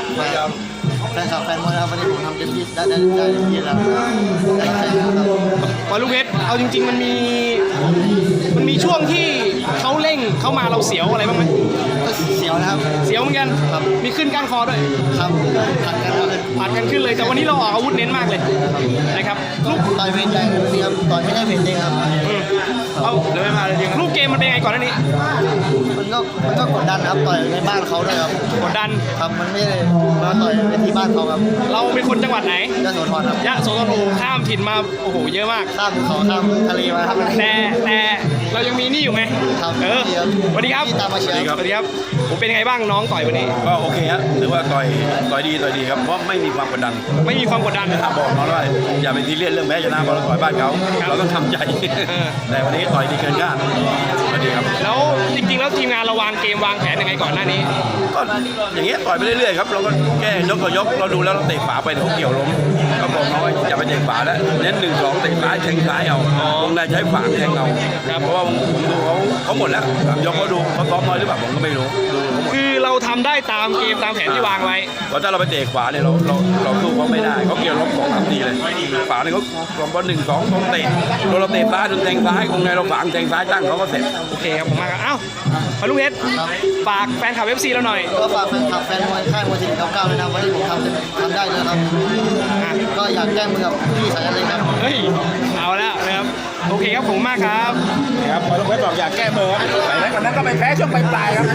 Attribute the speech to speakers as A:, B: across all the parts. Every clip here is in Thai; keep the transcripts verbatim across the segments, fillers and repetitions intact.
A: แฟนคลับแฟนมวยนะครับวันนี้ผมทำเต็มที่ได้ได้ได้เต็มที่แล้วได้รับใจนะครับ
B: มาลูกเพชรเอาจริงๆมันมีมันมีช่วงที่เขาเร่งเข้ามาเราเสียวอะไรบ้างไหม
A: ก็เสียวนะครับ
B: เสียวเหมือนกัน
A: ครับ
B: มีขึ้นก้านคอด้วย
A: ครับผัดกันครับ
B: ผัดกันขึ้นเลยแต่วันนี้เราออกอาวุธเน้นมากเลยนะครับลูก
A: ต่อยเพลงใจนี่ครับต่อยไม่ได้เพลงจริงครับ
B: อืมเอาเลยไม่มาเลยจริงลูกเกมมันเป็นไงก่อนหน้านี้
A: มันก็มันก็กดดันครับต่อยในบ้านเขาด้วยครับ
B: กดดัน
A: ครับมันไม่ได้มาต่อยในที่บ้านเขาครับ
B: เราเป็นคนจังหวัดไหน
A: ยโสธรครับ
B: ยะโสธรโอ้โหข้ามถิ่นมาโอ้โหเยอะมาก
A: ข้ามภูเขาข้ามทะเลมาครับ
B: แต่แต่เรายังมีนี่อยู่ไง
A: ครับ
B: เออสวัสดีครับ
A: ที่ตามมาเชียร์
B: สวัสดีครับผมเป็นยังไงบ้างน้องต่อยวันนี้
C: ก็โอเคฮะถือว่าต่อยต่อยดีต่อยดีครับเพราะไม่มีความกดดัน
B: ไม่มีความกดดัน
C: ถ้าบอกน้องว่าอย่าไปซีเรียสเรื่องแพ้ชนะเพราะเราต่อยบ้านเขา
B: ครับ
C: เราต้องทำใจ
B: เออ
C: แต่วันนี้ต่อยดีเกินคาดสวัสดีครับ
B: แล้วจริงๆแล้วทีมงานเราวางเกมวางแผนยังไงก่อนหน้านี้
C: ก็อย่างเงี้ยต่อยไปเรื่อยๆครับเราก็แก้ยกต่อยกเราดูแล้วเราเตะฝาไปเดี๋ยวเขาเกี่ยวล้มก็บอกน้องว่าอย่าไปเตะฝาแล้วเน้นหนึ่งสองเตะซ้ายแทงซ้ายเอาวงในใช้ฝาแทงเอาเพราะว่าผมดูเขาเขาหมดแล้วยกเขาดูเขาซ้อมน้อยหรือเปล่าผมก็ไม่รู้ดูเขาหมด
B: คือเราทำได้ตามเกมตามแผนที่วางไว้
C: เพราะถ้าเราไปเตะขวาเนี่ยเราเราเราสู้เขาไม่ได้เขาเกี่ยวล้มสองสามทีเลยขวาเนี่ยเขาลงบอลหนึ่งสองตรงเตะโดนเราเตะซ้ายโดนแทงซ้ายคงในเราฝังแทงซ้ายตั้งเขาก็เสร็จ
B: โอเคครับผมมากครับอ้าวพาลุงเพชรฝากแฟนคลับ เอฟ ซี เราหน่อย
A: ก็ฝากแฟนคลับแฟนมวยค่ายมวยทีมเก้าเก้าเลยนะวันนี้ผมทำเต็มทำได้เลยครับ
B: อ่ะ
A: ก็อยากแก้มือกับพี่สายอะไรครับ
B: เฮ้ยเอาแล้วนะครับโอเคครับผมมากครับ
C: ครับพอลูกเพชรบอกอยากแก้มือครับแต่นั้นวันนั้นก็ไปแพ้ช่วงปลายๆครับ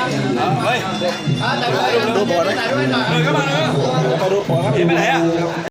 C: เฮ้ยดูบอลไหมเออก็มาเลยไปดูบอลครับเห็นไปไหนอ่ะ